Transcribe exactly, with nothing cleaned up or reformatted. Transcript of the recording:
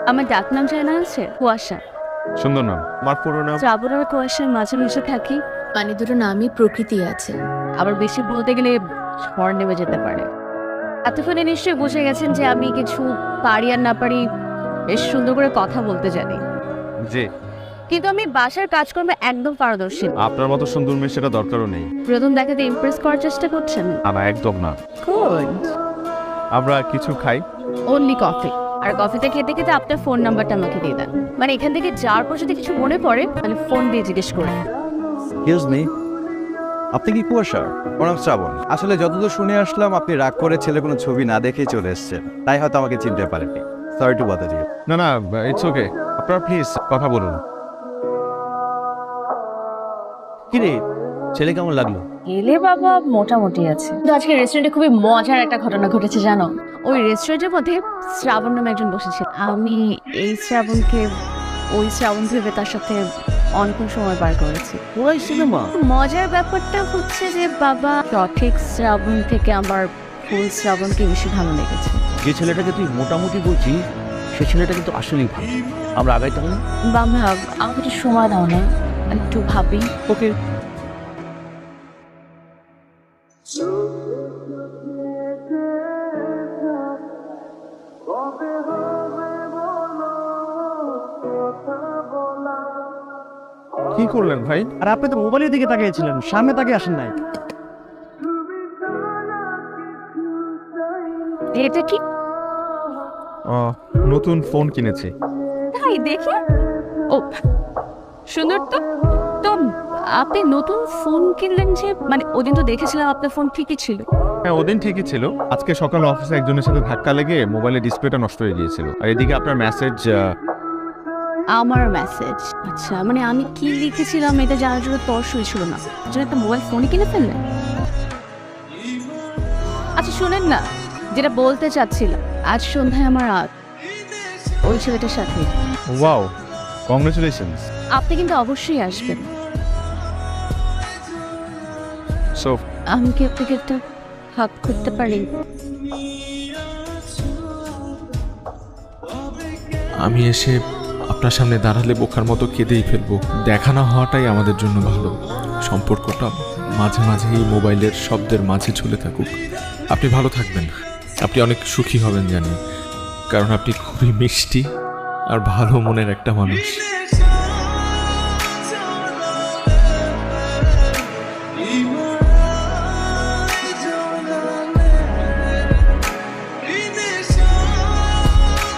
আমার ডাক নাম জানা আছে কুয়াশা। সুন্দর নাম। আমার পুরো নাম শ্রাবণ আর কুয়াশার মাঝে মিশে থাকি। মানে দুটো নামই প্রকৃতি আছে, আবার বেশি বলতে গেলে ঝড় নেমে যেতে পারে। এতক্ষণে নিশ্চয়ই বুঝে গেছেন যে আমি কিছু পারি আর না পারি বেশ সুন্দর করে কথা বলতে জানি, জি। কিন্তু আমি বাসার কাজকর্মে একদম পারদর্শী না। আপনার মতো সুন্দর মেয়ে সেটা দরকারও নেই। প্রথম দেখাতে ইমপ্রেস করার চেষ্টা করছেন? না না, একদম না। গুড। আমরা কিছু খাই। Only coffee. আর কফিতে খেতে খেতে আপনার ফোন নাম্বারটা আমাকে দিয়ে দেন। মানে এখান থেকে যাওয়ার পর যদি কিছু মনে পড়ে তাহলে ফোন দিয়ে জিজ্ঞেস করে। এক্সকিউজ মি, আপনি কি কুয়াশা? ওর নাম শ্রাবণ। আসলে যতদূর শুনে আসলাম আপনি রাগ করে ছেলে কোনো ছবি না দেখেই চলে এসেছেন, তাই হয়তো আমাকে চিনতে পারেননি। Sorry to bother you. না না, ইটস ওকে। আপনারা প্লিজ কথা বলুন। কি রে, ছেলে কেমন লাগলো? এলে বাবা মোটামুটি আছে, কিন্তু আজকে রেস্টুরেন্টে খুবই মজার একটা ঘটনা ঘটেছে জানো। ওই রেস্টুরেন্টের মধ্যে শ্রাবণ নামে একজন বসেছিল। আমি এই শ্রাবণকে ওই শ্রাবণ ভেবে তার সাথে অনেকক্ষণ সময় পার করেছি। ওই সিনেমা। মজার ব্যাপারটা হচ্ছে যে বাবা সঠিক শ্রাবণ থেকে আমার ফুল শ্রাবণকে বেশি ভালো লেগেছে। যে ছেলেটাকে তুই মোটামুটি বলছিস সে ছেলেটা কিন্তু আসলেই ভালো। আমরা আগাই তাহলে। বাবা আমাকে একটু সময় দাও না, একটু ভাবি। ওকে। কি করলেন ভাই? আর আপনি তো মোবাইলের দিকে তাকিয়েছিলেন, সামনে তাকিয়ে আসেন নাই। এটা কি? আহ, নতুন ফোন কিনেছি। তাই দেখি। ও সুন্দর তো। তো আপনি নতুন ফোন কিনলেন যে? মানে ওদিন তো দেখেছিলাম আপনার ফোন ঠিকই ছিল। হ্যাঁ, ওদিন ঠিকই ছিল। আজকে সকালে অফিসে একজনের সাথে ধাক্কা লেগে মোবাইলের ডিসপ্লেটা নষ্ট হয়ে গিয়েছিল। আর এদিকে আপনার মেসেজ। আমার মেসেজ? আচ্ছা, মানে আমি কি লিখেছিলাম এটা জানার জন্য তর্সই ছিল না, যেন একটা মোবাইল ফোনই কিনে ফেললেন। আচ্ছা শুনেন না, যেটা বলতে চাচ্ছিলাম, আজ সন্ধ্যায় আমার আজ ওই ছেলেটার সাথে। Wow, congratulations. আপনি কিন্তু অবশ্যই আসবেন। সো আমি কি আপনাকে একটা হাত করতে পারি? আমি এসে আপনার সামনে দাঁড়ালে বোকার মতো কেঁদেই ফেলবো। দেখা না হওয়াটাই আমাদের জন্য ভালো। সম্পর্কটা মাঝে মাঝে এই মোবাইলের শব্দের মাঝে ঝুলে থাকুক। আপনি ভালো থাকবেন, আপনি অনেক সুখী হবেন জানি, কারণ আপনি খুবই মিষ্টি আর ভালো মনের একটা মানুষ।